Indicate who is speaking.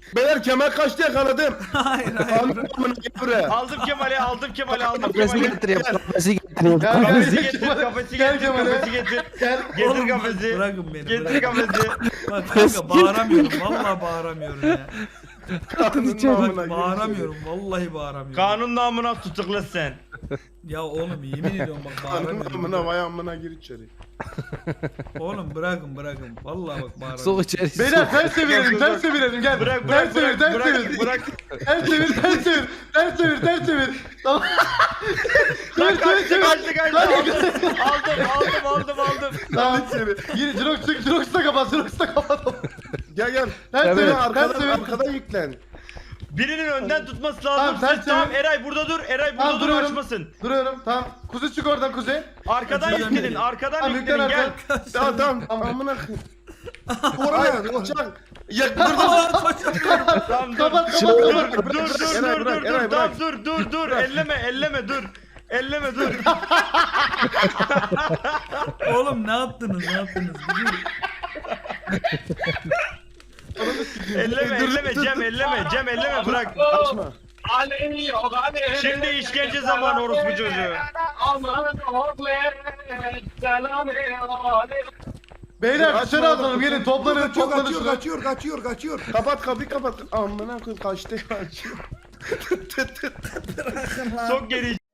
Speaker 1: Beyler Kemal kaçtı yakaladım.
Speaker 2: Hayır hayır.
Speaker 1: Amına buraya.
Speaker 3: Aldım Kemal'i, aldım Kemal'i, aldım
Speaker 4: Kafesi
Speaker 3: Kemal'i.
Speaker 4: getireyim. Kafesi getireyim.
Speaker 5: Gel,
Speaker 3: Kafesi
Speaker 5: gel,
Speaker 3: getir,
Speaker 5: Kemal'e.
Speaker 3: kafesi
Speaker 5: Gel
Speaker 3: getir,
Speaker 5: Kemal'e.
Speaker 3: kafesi getir.
Speaker 5: Gel.
Speaker 3: Getir
Speaker 2: Oğlum bak,
Speaker 3: kafesi.
Speaker 2: bırakın beni.
Speaker 3: Getir
Speaker 2: Bırakın.
Speaker 3: kafesi.
Speaker 2: Bak kanka bağıramıyorum. Vallahi bağıramıyorum ya.
Speaker 1: Amına
Speaker 2: Bak bağıramıyorum. Vallahi bağıramıyorum.
Speaker 3: Kanun namına tutukla sen.
Speaker 2: Ya oğlum yemin ediyorum bak
Speaker 1: Amına
Speaker 2: bağıramıyorum.
Speaker 1: vay amına gir içeri.
Speaker 2: Oğlum bırakın bırakın. Vallahi bak bağıramıyorum.
Speaker 4: Sok içeri.
Speaker 5: Beyler ters çevirelim, ters çevirelim gel.
Speaker 3: Bırak,
Speaker 5: Ters
Speaker 3: bırak,
Speaker 5: çevir,
Speaker 3: bırak,
Speaker 5: ters
Speaker 3: bırak,
Speaker 5: çevir.
Speaker 3: bırak.
Speaker 5: Ters çevir, ters çevir. Ters çevir, ters çevir. Tamam.
Speaker 3: Lan
Speaker 5: Ters çevir,
Speaker 3: kaçtı,
Speaker 5: ters
Speaker 3: kaçtı,
Speaker 5: çevir.
Speaker 3: kaçtı. Aldım.
Speaker 5: Tamam. Gir, Jirox da kapat, Jirox da kapat.
Speaker 1: Gel gel.
Speaker 5: Ters
Speaker 1: Hemen
Speaker 5: çevir, ters
Speaker 1: arkadan
Speaker 5: çevir.
Speaker 1: arkadan yüklen.
Speaker 3: Birinin önden tutması
Speaker 5: Tamam,
Speaker 3: lazım.
Speaker 5: sen
Speaker 3: Siz tamam
Speaker 5: çevir.
Speaker 3: Eray burada dur. Eray burada
Speaker 5: Tamam,
Speaker 3: dur
Speaker 5: duruyorum.
Speaker 3: açmasın.
Speaker 5: Duruyorum, tamam. Kuzey çık oradan Kuzey.
Speaker 3: Arkadan
Speaker 2: Açacağım
Speaker 3: yüklenin,
Speaker 2: beni.
Speaker 3: arkadan
Speaker 5: Tamam,
Speaker 3: yüklenin
Speaker 5: yüklen
Speaker 3: gel.
Speaker 5: arkadan.
Speaker 1: Tamam amına koyayım. Oraya uçak. Ya burada
Speaker 3: Tamam dur.
Speaker 5: Kapat,
Speaker 3: Dur
Speaker 5: kapat, kapat.
Speaker 3: dur
Speaker 1: Eray, bırak, Eray,
Speaker 3: dur. Tamam
Speaker 1: bırak.
Speaker 3: dur. Elleme dur. Elleme dur.
Speaker 2: Oğlum ne yaptınız? Ne yaptınız?
Speaker 3: Elleme Cem elleme bırak.
Speaker 1: açma.
Speaker 3: Şimdi işkence zamanı orospu çocuğu.
Speaker 5: Beyler dışarı atalım, gelin toplanın, toplanın.
Speaker 1: Kaçıyor. Kapat kapıyı kapat. Amına koyayım kaçtı.
Speaker 3: Sok geri